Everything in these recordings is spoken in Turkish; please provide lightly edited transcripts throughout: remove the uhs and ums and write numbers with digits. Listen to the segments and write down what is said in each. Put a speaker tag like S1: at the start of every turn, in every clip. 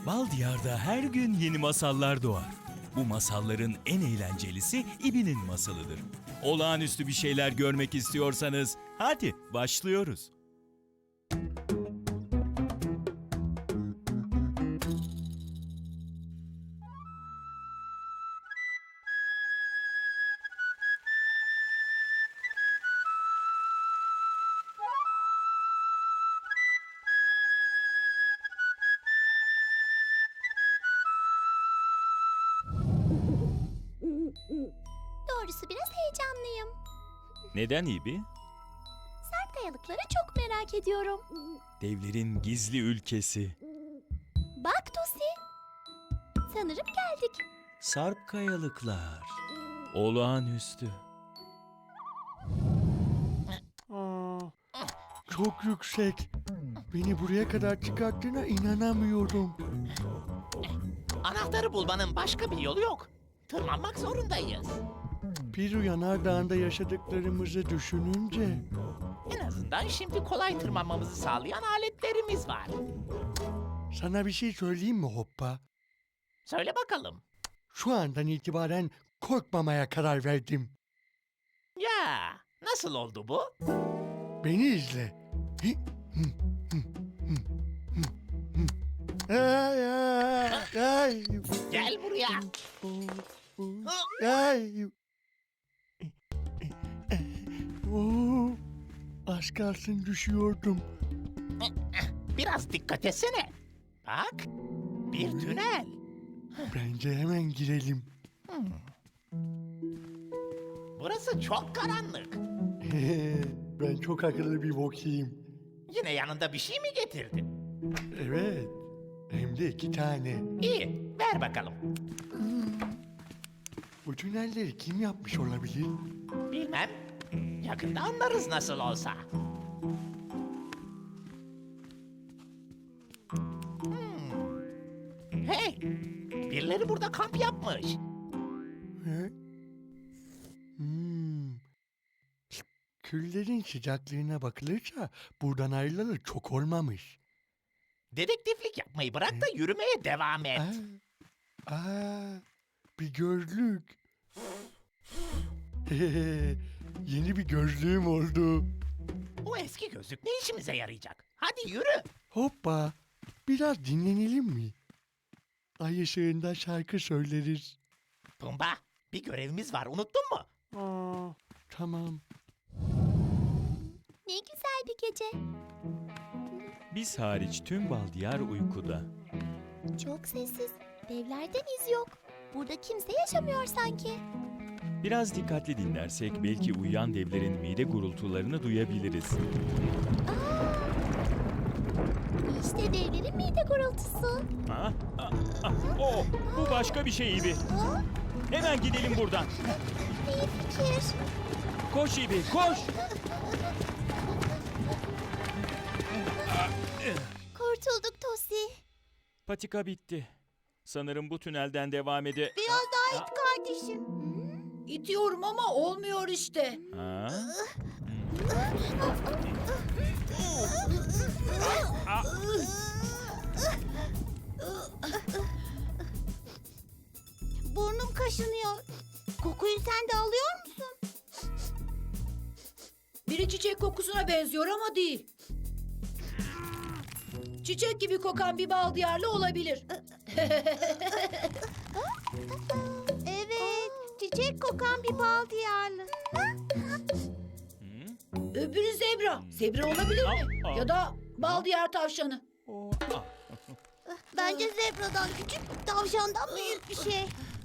S1: Bal Diyar'da her gün yeni masallar doğar. Bu masalların en eğlencelisi İbi'nin masalıdır. Olağanüstü bir şeyler görmek istiyorsanız hadi başlıyoruz.
S2: Doğrusu biraz heyecanlıyım.
S1: Neden İbi?
S2: Sarp kayalıkları çok merak ediyorum.
S1: Devlerin gizli ülkesi.
S2: Bak Tosi. Sanırım geldik.
S1: Sarp kayalıklar. Olağanüstü.
S3: Çok yüksek. Beni buraya kadar çıkarttığına inanamıyorum.
S4: Anahtarı bulmanın başka bir yolu yok. Tırmanmak zorundayız.
S3: Piru Yanardağı'nda yaşadıklarımızı düşününce
S4: En azından şimdi kolay tırmanmamızı sağlayan aletlerimiz var.
S3: sana bir şey söyleyeyim mi Hoppa?
S4: Söyle bakalım.
S3: Şu andan itibaren korkmamaya karar verdim.
S4: Ya nasıl oldu bu?
S3: Beni izle. Ay, ay, ay.
S4: Gel buraya.
S3: Ay. Oo, az kalsın düşüyordum.
S4: Biraz dikkat etsene. Bak, bir tünel.
S3: Bence hemen girelim.
S4: Burası çok karanlık.
S3: Ben çok akıllı bir bokiyim.
S4: Yine yanında bir şey mi getirdin?
S3: Evet. Hem de 2 tane.
S4: İyi, ver bakalım.
S3: Bu tünelleri kim yapmış olabilir?
S4: Bilmem. Yakında anlarız nasıl olsa. Hey, birileri burada kamp yapmış.
S3: He? Küllerin sıcaklığına bakılırsa buradan ayrılalı çok olmamış.
S4: Dedektiflik yapmayı bırak da yürümeye devam et.
S3: Bir gözlük. Yeni bir gözlüğüm oldu.
S4: O eski gözlük ne işimize yarayacak? Hadi yürü.
S3: Hoppa, biraz dinlenelim mi? Ay ışığında şarkı söyleriz.
S4: Pumba, bir görevimiz var, unuttun mu?
S3: Tamam.
S2: Ne güzel bir gece.
S1: Biz hariç tüm Bal Diyar uykuda.
S2: Çok sessiz. Devlerden iz yok. Burada kimse yaşamıyor sanki.
S1: Biraz dikkatli dinlersek belki uyuyan devlerin mide gurultularını duyabiliriz.
S2: İşte devlerin mide gurultusu.
S1: Oh, bu başka bir şey İbi. Hemen gidelim buradan.
S2: İyi fikir.
S1: Koş İbi, koş.
S2: Kurtulduk Tosi.
S1: Patika bitti. Sanırım bu tünelden devam ede...
S2: Biraz daha it kardeşim.
S5: İtiyorum ama olmuyor işte.
S1: Ha?
S2: Burnum kaşınıyor. Kokuyu sen de alıyor musun?
S5: Biri çiçek kokusuna benziyor ama değil. Çiçek gibi kokan bir bal diyarlı olabilir.
S2: Evet, çiçek kokan bir bal diyarlı.
S5: Öbürü zebra. Zebra olabilir mi?
S1: Aa.
S5: Ya da bal diyar tavşanı.
S2: Bence zebradan küçük, tavşandan büyük bir şey.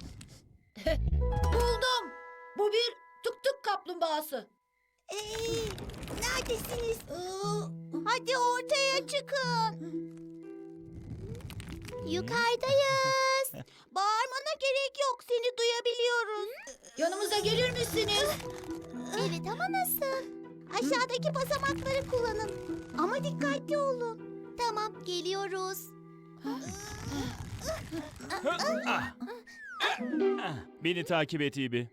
S5: Buldum. Bu bir tık tık kaplumbağası.
S2: Neredesiniz? Hadi ortaya çıkın. Yukarıdayız. Bağırmana gerek yok, seni duyabiliyoruz.
S5: Yanımıza gelir misiniz?
S2: Evet ama nasıl? Aşağıdaki basamakları kullanın. Ama dikkatli olun. Tamam, geliyoruz.
S1: Beni takip et İbi.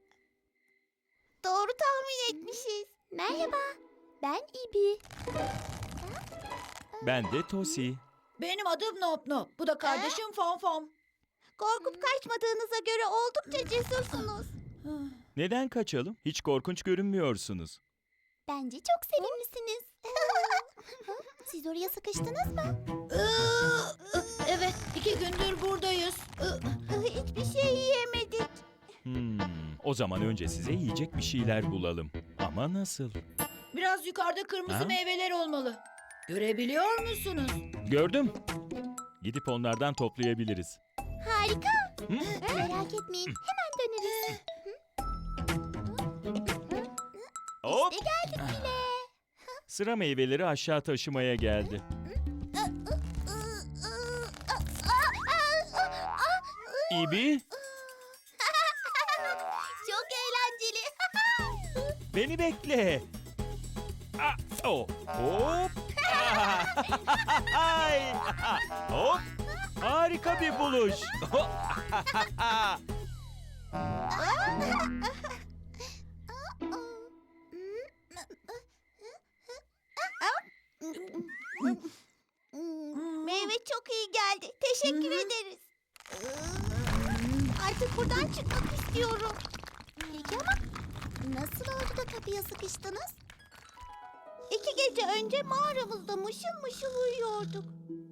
S2: Doğru tahmin etmişiz. Merhaba, ben İbi.
S1: Ben de Tosi.
S5: Benim adım Nop Nop. Bu da kardeşim Fom Fom.
S2: Korkup kaçmadığınıza göre oldukça cesursunuz.
S1: Neden kaçalım? Hiç korkunç görünmüyorsunuz.
S2: Bence çok sevimlisiniz. Siz oraya sıkıştınız mı?
S5: Evet, 2 gündür buradayız.
S2: Hiçbir şey yiyemedik.
S1: O zaman önce size yiyecek bir şeyler bulalım. Ama nasıl?
S5: Biraz yukarıda kırmızı
S1: Ha?
S5: meyveler olmalı. Görebiliyor musunuz?
S1: Gördüm. Gidip onlardan toplayabiliriz.
S2: Harika. Merak etmeyin. Hemen döneriz.
S1: Hop!
S2: İşte geldik bile.
S1: Sıra meyveleri aşağı taşımaya geldi. İbi,
S2: Çok eğlenceli.
S1: beni bekle. Hop! Ay! Hop! Harika bir buluş.
S2: Meyve çok iyi geldi. Teşekkür ederiz. Artık buradan çıkmak istiyorum. Peki ama nasıl oldu da kapıya sıkıştınız? 2 gece önce mağaramızda mışıl mışıl uyuyorduk.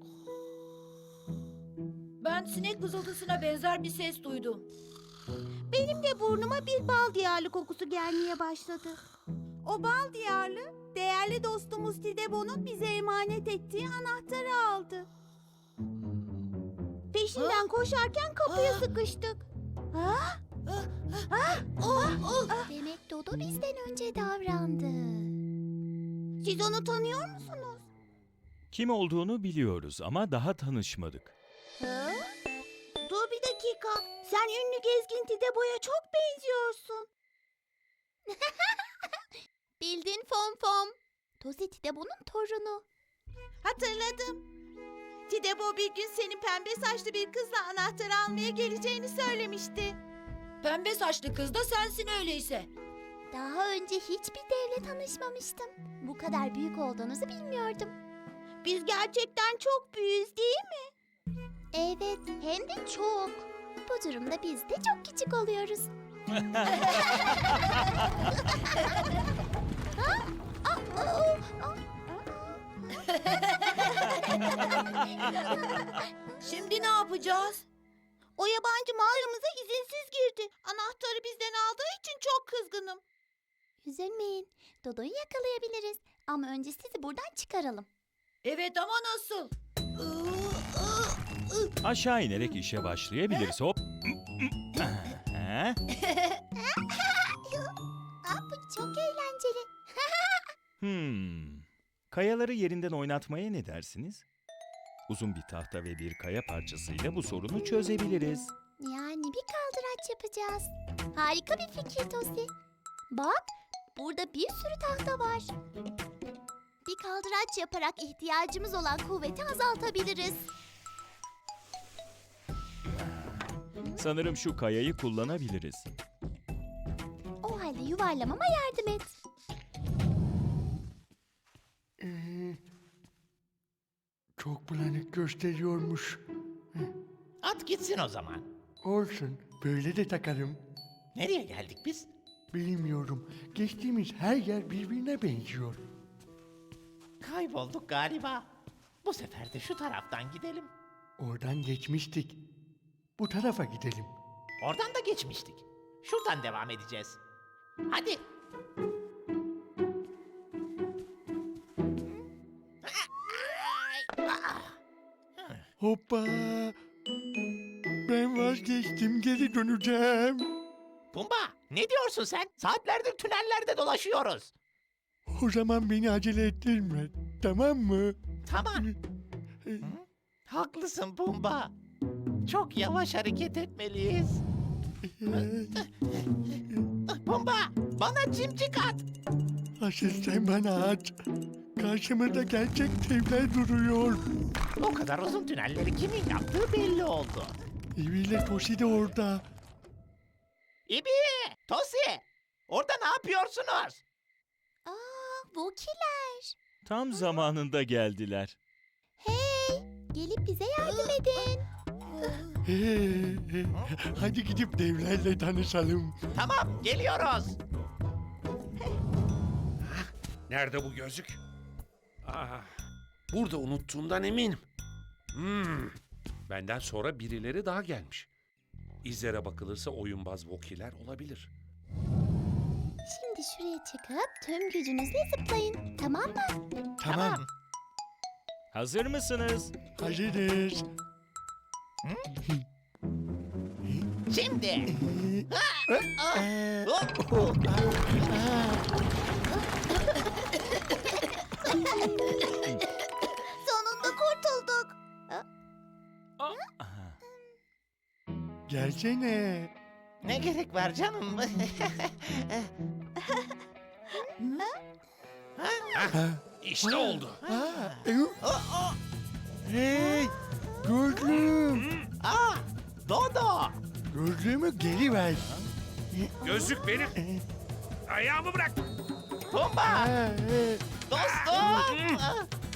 S5: Ben sinek vızıltısına benzer bir ses duydum.
S2: Benim de burnuma bir bal diyarlı kokusu gelmeye başladı. O bal diyarlı, değerli dostumuz Tidebo'nun bize emanet ettiği anahtarı aldı. Peşinden koşarken kapıya sıkıştık. Demek Dodo bizden önce davrandı. Siz onu tanıyor musunuz?
S1: Kim olduğunu biliyoruz ama daha tanışmadık.
S2: Dur bir dakika. Sen ünlü gezgin Tidebo'ya çok benziyorsun. Bildin Fom Fom. Tosi Tidebo'nun torunu. Hatırladım. Tidebo bir gün senin pembe saçlı bir kızla anahtarı almaya geleceğini söylemişti.
S5: Pembe saçlı kız da sensin öyleyse.
S2: Daha önce hiçbir devle tanışmamıştım. Bu kadar büyük olduğunuzu bilmiyordum. Biz gerçekten çok büyüğüz değil mi? Evet, hem de çok. Bu durumda biz de çok küçük oluyoruz.
S5: Şimdi ne yapacağız?
S2: O yabancı mağaramıza izinsiz girdi. Anahtarı bizden aldığı için çok kızgınım. Üzülmeyin. Dodo'yu yakalayabiliriz. Ama önce sizi buradan çıkaralım.
S5: Evet ama nasıl?
S1: Aşağı inerek işe başlayabiliriz. Hop! Aha.
S2: Bu çok eğlenceli.
S1: Kayaları yerinden oynatmaya ne dersiniz? Uzun bir tahta ve bir kaya parçasıyla bu sorunu çözebiliriz.
S2: Yani bir kaldıraç yapacağız. Harika bir fikir Tosi. Bak, burada bir sürü tahta var. Bir kaldıraç yaparak ihtiyacımız olan kuvveti azaltabiliriz.
S1: Sanırım şu kayayı kullanabiliriz.
S2: O halde yuvarlamama yardım et.
S3: Çok bulanık gösteriyormuş.
S4: At gitsin o zaman.
S3: Olsun, böyle de takarım.
S4: Nereye geldik biz?
S3: Bilmiyorum, geçtiğimiz her yer birbirine benziyor.
S4: Kaybolduk galiba. Bu sefer de şu taraftan gidelim.
S3: Oradan geçmiştik. Bu tarafa gidelim.
S4: Oradan da geçmiştik. Şuradan devam edeceğiz. Hadi.
S3: Hoppa! Ben vazgeçtim, geri döneceğim.
S4: Pumba, ne diyorsun sen? Saatlerdir tünellerde dolaşıyoruz.
S3: O zaman beni acele ettirme, tamam mı?
S4: Tamam. Haklısın Pumba. Çok yavaş hareket etmeliyiz. Pumba, bana cimcik at.
S3: Asıl sen bana at. Karşımda gerçek devler duruyor.
S4: O kadar uzun tünelleri kimin yaptığı belli oldu.
S3: İbiyle Tosi de orada.
S4: İbi, Tosi, orada ne yapıyorsunuz?
S2: Vokiler.
S1: Tam zamanında geldiler.
S2: Hey, Gelip bize yardım edin.
S3: Hadi gidip devlerle tanışalım.
S4: Tamam, geliyoruz.
S6: Nerede bu gözlük? Burada unuttuğumdan eminim. Benden sonra birileri daha gelmiş. İzlere bakılırsa oyunbaz vokiler olabilir.
S2: Şimdi şuraya çıkıp tüm gücünüzle zıplayın. Tamam mı?
S3: Tamam.
S1: Hazır mısınız?
S3: Hazırız.
S4: Şimdi.
S2: Sonunda kurtulduk.
S1: Aha.
S3: Gelsene.
S4: Ne gerek var canım?
S6: İşte oldu.
S3: Hey! Gözlüğüm.
S4: Aa, Dodo.
S3: Gözlüğümü geri ver.
S6: Gözlük benim. Ayağımı bırak.
S4: Pumba. Dostum.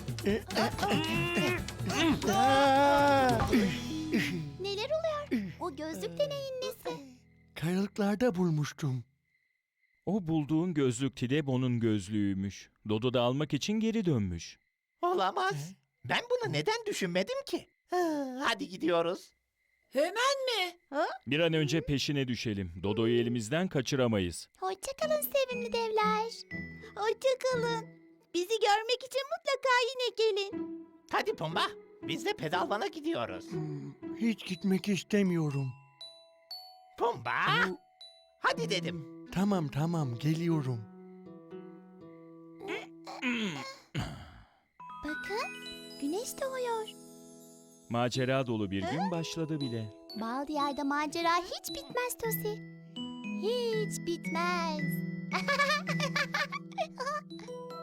S2: Neler oluyor? O gözlük de neyin nesi?
S3: Kayalıklarda bulmuştum.
S1: O bulduğun gözlük Tidebo'nun gözlüğüymüş. Dodo da almak için geri dönmüş.
S4: Olamaz. Ben bunu neden düşünmedim ki? Hadi gidiyoruz.
S5: Hemen mi?
S1: Bir an önce peşine düşelim. Dodo'yu elimizden kaçıramayız.
S2: Hoşçakalın sevimli devler. Hoşçakalın. Bizi görmek için mutlaka yine gelin.
S4: Hadi Pumba. Biz de pedalvana gidiyoruz.
S3: Hiç gitmek istemiyorum.
S4: Pumba. Hadi dedim.
S3: Tamam geliyorum.
S2: Bakın, güneş doğuyor.
S1: Macera dolu bir gün başladı bile.
S2: Bal diyarda macera hiç bitmez Tosi. Hiç bitmez.